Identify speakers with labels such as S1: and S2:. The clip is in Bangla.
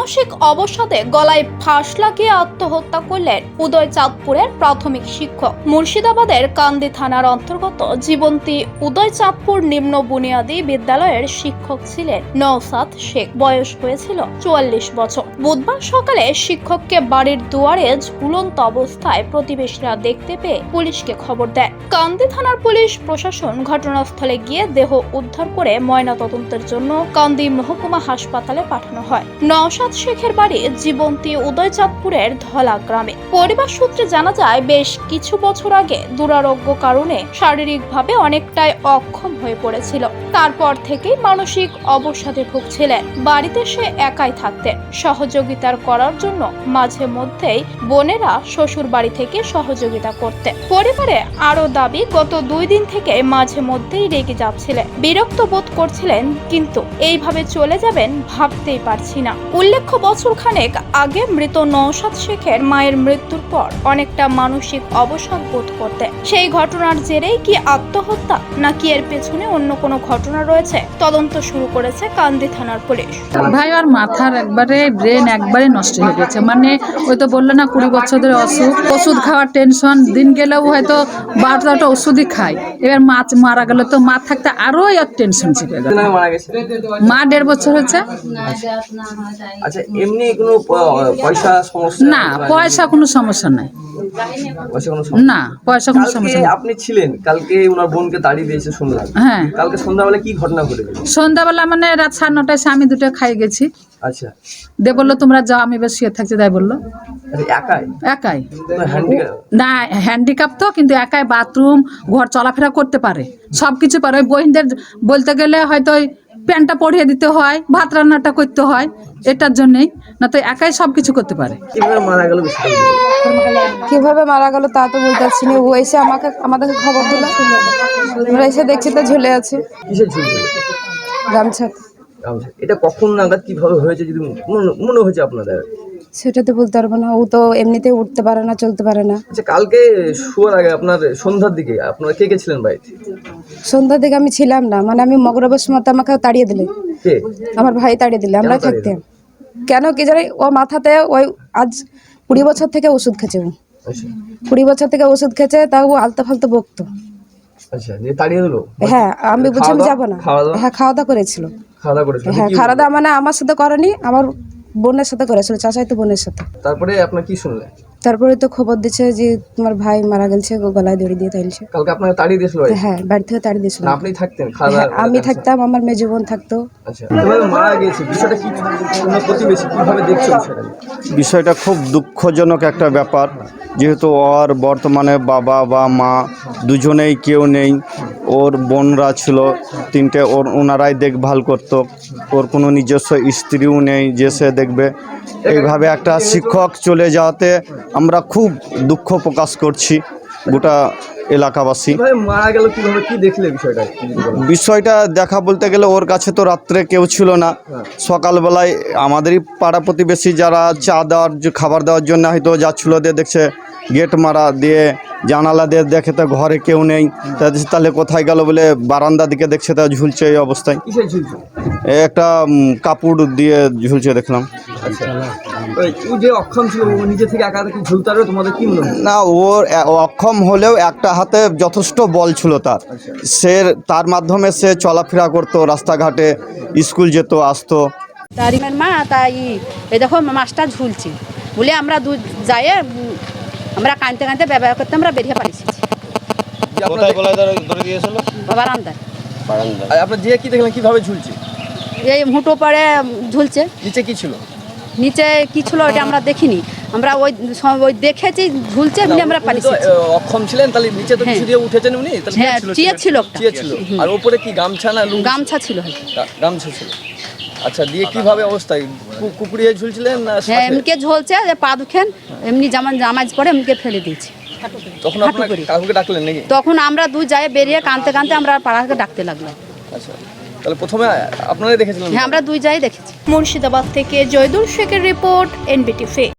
S1: মানসিক অবসাদে গলায় ফাঁস লাগিয়ে আত্মহত্যা করলেন উদয়চাঁদপুরের প্রাথমিক শিক্ষক। মুর্শিদাবাদের কান্দি থানার অন্তর্গত জীবন্তী উদয়চাঁদপুর নিম্ন বুনিয়াদী বিদ্যালয়ের শিক্ষক ছিলেন নওশাদ শেখ। বয়স হয়েছিল 44 বছর। বুধবার সকালে শিক্ষককে বাড়ির দুয়ারে ঝুলন্ত অবস্থায় প্রতিবেশীরা দেখতে পেয়ে পুলিশকে খবর দেয়। কান্দি থানার পুলিশ প্রশাসন ঘটনাস্থলে গিয়ে দেহ উদ্ধার করে ময়নাতদন্তের জন্য কান্দি মহকুমা হাসপাতালে পাঠানো হয়। নওশাদ শেখের বাড়ি জীবন্তী উদয়চাঁদপুরের ধলা গ্রামে। পরিবার সূত্রে জানা যায়, বেশ কিছু বছর আগে দুরারোগ্য কারণে শারীরিকভাবে অনেকটাই অক্ষম হয়ে পড়েছিল। তারপর থেকেই মানসিক অবসাদে ভুগছিলেন। বাড়িতে সে একাই থাকতেন। সহযোগিতার করার জন্য মাঝে মধ্যেই বোনেরা শ্বশুর বাড়ি থেকে সহযোগিতা করতেন। পরিবারে আরো দাবি, গত 2 দিন থেকে মাঝে মধ্যেই রেগে যাচ্ছিলেন, বিরক্ত বোধ করছিলেন, কিন্তু এইভাবে চলে যাবেন ভাবতেই পারছি না। উল্লেখ্য, বছর খানেক আগে মৃত নওশাদ শেখের মায়ের মৃত্যুর পর অনেকটা মানসিক অবসাদ বোধ করতেন। সেই ঘটনার জেরেই কি আত্মহত্যা, নাকি এর পেছনে অন্য কোনো ঘটনা রয়েছে, তদন্ত শুরু করেছে কান্দি থানার পুলিশ।
S2: ভাই আর মাথার একবারে ব্রেন একবারে নষ্ট হয়ে গেছে। মানে ওই তো বললো না 20 বছর ধরে ওষুধ খাওয়ার টেনশন, দিন গেলেও হয়তো 12টা ওষুধই খায়। এবার মা মারা গেল তো মা থাকতে আরো টেনশন চেপে গেল। মা 1.5 বছর হচ্ছে।
S3: আচ্ছা, এমনি কোনো পয়সা সমস্যা?
S2: না, পয়সা কোনো সমস্যা নাই। না, পয়সা কোনো সমস্যা নেই।
S3: আপনি ছিলেন কালকে, ওনার বোনকে তাড়িয়ে দিয়েছে শুনলাম।
S2: হ্যাঁ,
S3: কালকে সন্ধ্যাবেলা কি ঘটনা ঘটেছে?
S2: সন্ধ্যাবেলা মানে রাত 9:30 আমি 2টা খাই গেছি।
S3: আচ্ছা,
S2: দে বললো তোমরা যাও, আমি বেশ শুয়ে থাকছি। তাই বললো
S3: একাই?
S2: একাই
S3: হ্যান্ডিক্যাপ?
S2: না, হ্যান্ডিক্যাপ তো, কিন্তু একাই বাথরুম ঘর চলাফেরা করতে পারে, সবকিছু পারে। ওই বহিনদের বলতে গেলে হয়তো ওই প্যান্টটা পরিয়ে দিতে হয়, ভাত রান্নাটা করতে হয়, এটার জন্যই। না তো একাই সবকিছু করতে পারে।
S3: কিভাবে মারা গেল?
S4: কিভাবে মারা গেল তা তো বলতে পারছি না। ও এসে আমাদেরকে খবর দিল, আমরা এসে দেখছি তো ঝুলে আছে।
S3: কিসে ঝুলছিল?
S4: গামছা।
S3: এটা কখন নাগাদ কিভাবে হয়েছে যদি মনে হয়েছে আপনাদের?
S4: সেটা তো বলতে পারবো না। ও তো এমনিতেই উঠতে পারে না, চলতে পারে না।
S3: আচ্ছা, কালকে শোয়ার আগে আপনার সন্ধ্যার দিকে আপনারা কে ছিলেন বাড়িতে?
S4: সন্ধ্যার দিকে আমি ছিলাম না, মানে আমি মগরবের সময় আমাকে তাড়িয়ে দিলে।
S3: কে?
S4: আমার ভাই তাড়িয়ে দিলে, আমরা থাকতাম। কেন কি জানি, ও মাথাতে ওই আজ 20 বছর থেকে ওষুধ খেছে। ও 20 বছর থেকে ওষুধ খেছে, তাও ও আলতো ফালতো বকতো।
S3: আচ্ছা, যে তাড়িয়ে দিল?
S4: হ্যাঁ, আমি বুঝি আমি যাবো না। হ্যাঁ, খাওয়া দাওয়া করেছিল। হ্যাঁ, খাওয়া দাওয়া মানে আমার সাথে করেনি, আমার বোনের সাথে করেছিল, চাচাই তো বোনের সাথে।
S3: তারপরে আপনার কি শুনলেন?
S4: তারপরে তো খবর দিচ্ছে যে তোমার ভাই মারা গেছে, গলায় দড়ি দিয়ে তাইলছে।
S3: কালকে আপনাকে তাড়িয়ে দিয়েছিল?
S4: হ্যাঁ, বাড়ি থেকে তাড়িয়ে দিয়েছিল।
S3: আপনি থাকতেন?
S4: আমি থাকতাম, আমার মেয়ে জীবন থাকতো।
S3: আচ্ছা, কিভাবে মারা গেছে বিষয়টা কি প্রতিবেশী কিভাবে দেখছো
S5: বিষয়টা? খুব দুঃখজনক একটা ব্যাপার, যেহেতু ওর বর্তমানে বাবা বা মা দুজনেই কেউ নেই। ওর বোনরা ছিল 3টে, ওনারাই দেখভাল করতো। ওর কোনো নিজস্ব স্ত্রীও নেই যে সে দেখবে। এইভাবে একটা শিক্ষক চলে যাওয়াতে আমরা খুব দুঃখ প্রকাশ করছি, গোটা এলাকাবাসী।
S3: মারা গেল কিভাবে, কি দেখলে
S5: বিষয়টা দেখা বলতে গেলে, ওর কাছে তো রাত্রে কেউ ছিল না। সকালবেলায় আমাদেরই পাড়া প্রতিবেশী যারা চা দেওয়ার, খাবার দেওয়ার জন্য হয়তো যাচ্ছিলো, দিয়ে দেখছে গেট মারা, দিয়ে জানালা দিয়ে দেখে তো ঘরে কেউ নেই। তাহলে কোথায় গেল বলে বারান্দা দিকে দেখছে, তা ঝুলছে এই অবস্থায়। একটা কাপড় দিয়ে ঝুলছে দেখলাম। না, ওর অক্ষম হলেও একটা হাতে যথেষ্ট বল ছিল তার। তার মাধ্যমে সে চলাফেরা করতো, রাস্তাঘাটে স্কুল যেত, আসতো।
S6: তারিমের মা তাই এই দেখো মাছটা ঝুলছে বলে আমরা যাই, আমরা কাঁদতে কাঁদতে ব্যবহার করতে আমরা বেরিয়ে পারিছি বারান্দায়।
S3: আপনার যে কি দেখলেন কিভাবে ঝুলছে?
S6: এই মুঠো পরে ঝুলছে।
S3: নিচে কি ছিল?
S6: নিচে কি ছিল ওটা আমরা দেখিনি, আমরা ওই দেখেছি ঝুলছে বলে আমরা পারিছি।
S3: অক্ষম ছিলেন তাহলে নিচে তো কিছু দিয়ে উঠেছেন উনি?
S6: হ্যাঁ, চিয়ে ছিল।
S3: আর উপরে কি গামছা না লুঙ্গি?
S6: গামছা ছিল।
S3: গামছা ছিল। আচ্ছা, দিয়ে কিভাবে অবস্থায় কুকুরিয়ে ঝুলছিলেন?
S6: হ্যাঁ, এমনিকে ঝুলছে, যে পা দুখেন এমনি যেমন জামাজ পরে এমনিকে ফেলে দিয়েছি।
S3: তখন আপনারা কাকুকে ডাকলেন নাকি?
S6: তখন আমরা দুই যাই বেরিয়ে কাঁদতে কাঁদতে আমরা পাড়াকে ডাকতে লাগলাম।
S3: আচ্ছা, তাহলে প্রথমে আপনারাই দেখেছিলেন?
S6: হ্যাঁ, আমরা দুই যাই দেখেছি।
S1: মুর্শিদাবাদ থেকে জয়দুল শেখের রিপোর্ট, NBTV।